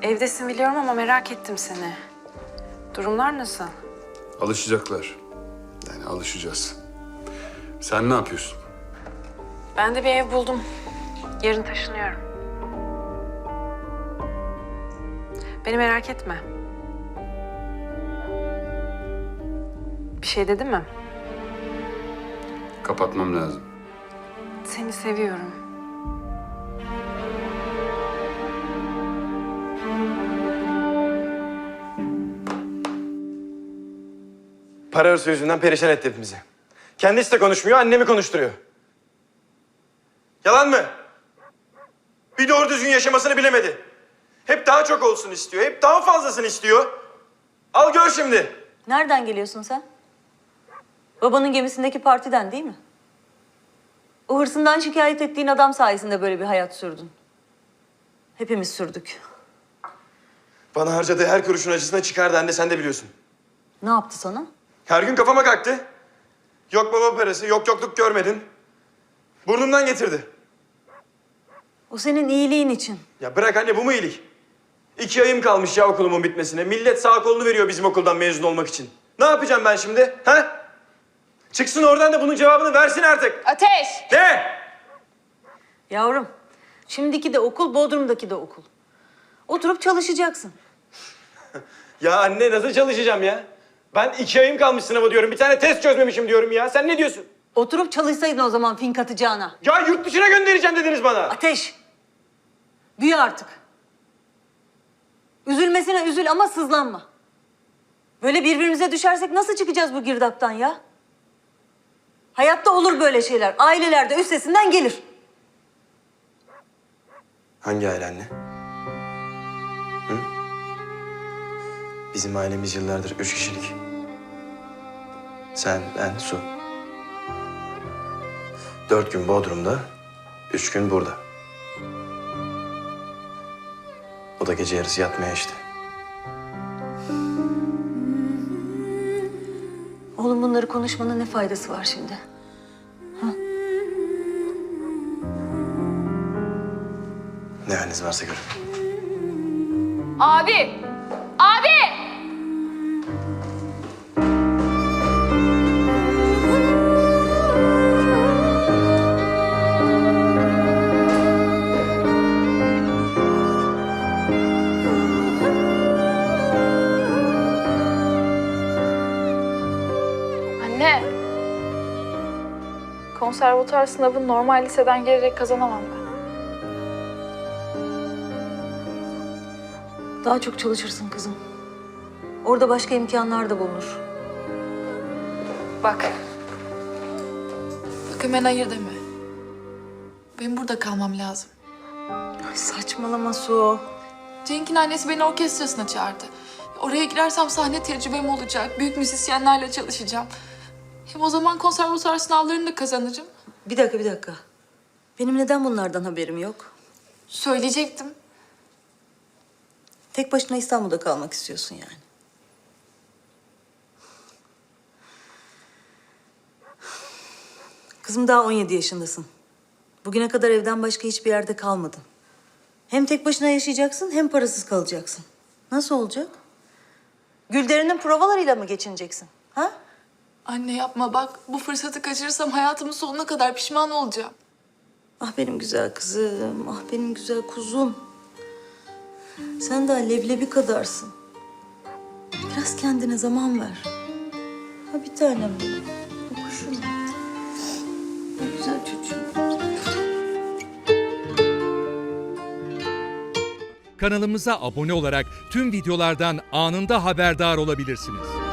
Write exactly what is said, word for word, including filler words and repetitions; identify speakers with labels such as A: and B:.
A: Evdesin biliyorum ama merak ettim seni. Durumlar nasıl?
B: Alışacaklar. Yani alışacağız. Sen ne yapıyorsun?
A: Ben de bir ev buldum. Yarın taşınıyorum. Beni merak etme. Bir şey dedi mi?
B: Kapatmam lazım.
A: Seni seviyorum.
C: Para hırsı yüzünden perişan etti hepimizi. Kendisi de konuşmuyor, annemi konuşturuyor. Yalan mı? Bir doğru düzgün yaşamasını bilemedi. Hep daha çok olsun istiyor, hep daha fazlasını istiyor. Al gör şimdi.
D: Nereden geliyorsun sen? Babanın gemisindeki partiden değil mi? O hırsından şikayet ettiğin adam sayesinde böyle bir hayat sürdün. Hepimiz sürdük.
C: Bana harcadığı her kuruşun acısına çıkardı anne, sen de biliyorsun.
D: Ne yaptı sana?
C: Her gün kafama kalktı. Yok baba parası, yok yokluk görmedin. Burnumdan getirdi.
D: O senin iyiliğin için.
C: Ya bırak anne, bu mu iyilik? İki ayım kalmış ya okulumun bitmesine. Millet sağ kolunu veriyor bizim okuldan mezun olmak için. Ne yapacağım ben şimdi? Ha? Çıksın oradan da bunun cevabını versin artık.
E: Ateş!
C: Ne?
D: Yavrum, şimdiki de okul, Bodrum'daki de okul. Oturup çalışacaksın.
C: Ya anne nasıl çalışacağım ya? Ben iki ayım kalmış sınava diyorum. Bir tane test çözmemişim diyorum ya. Sen ne diyorsun?
D: Oturup çalışsaydın o zaman fink atacağına.
C: Ya yurt dışına göndereceğim dediniz bana.
D: Ateş! Büyü artık. Üzülmesine üzül ama sızlanma. Böyle birbirimize düşersek nasıl çıkacağız bu girdaptan ya? Hayatta olur böyle şeyler. Ailelerde üstesinden gelir.
C: Hangi aile anne? Hı? Bizim ailemiz yıllardır üç kişilik. Sen, ben, Su. Dört gün Bodrum'da, üç gün burada. O da gece yarısı yatmaya işte.
D: Oğlum bunları konuşmanın ne faydası var şimdi? Ha?
C: Ne haliniz varsa görün.
E: Abi! Abi! Anne. Konservatuar sınavını normal liseden gelerek kazanamam ben.
D: Daha çok çalışırsın kızım. Orada başka imkanlar da bulunur.
E: Bak. Bak hemen hayır deme. Benim burada kalmam lazım.
D: Ay saçmalama Su.
E: Cenk'in annesi beni orkestrasına çağırdı. Oraya girersem sahne tecrübem olacak. Büyük müzisyenlerle çalışacağım. Hem o zaman konservatuar sınavlarını da kazanırım.
D: Bir dakika, bir dakika. Benim neden bunlardan haberim yok?
E: Söyleyecektim.
D: Tek başına İstanbul'da kalmak istiyorsun yani. Kızım daha on yedi yaşındasın. Bugüne kadar evden başka hiçbir yerde kalmadın. Hem tek başına yaşayacaksın hem parasız kalacaksın. Nasıl olacak? Gülderen'in provalarıyla mı geçineceksin? Ha?
E: Anne yapma bak. Bu fırsatı kaçırırsam hayatımın sonuna kadar pişman olacağım.
D: Ah benim güzel kızım, ah benim güzel kuzum. Sen daha leblebi kadarsın. Biraz kendine zaman ver. Ha bir tanem benim. Kuşum. Ne güzel çocuğum.
F: Kanalımıza abone olarak tüm videolardan anında haberdar olabilirsiniz.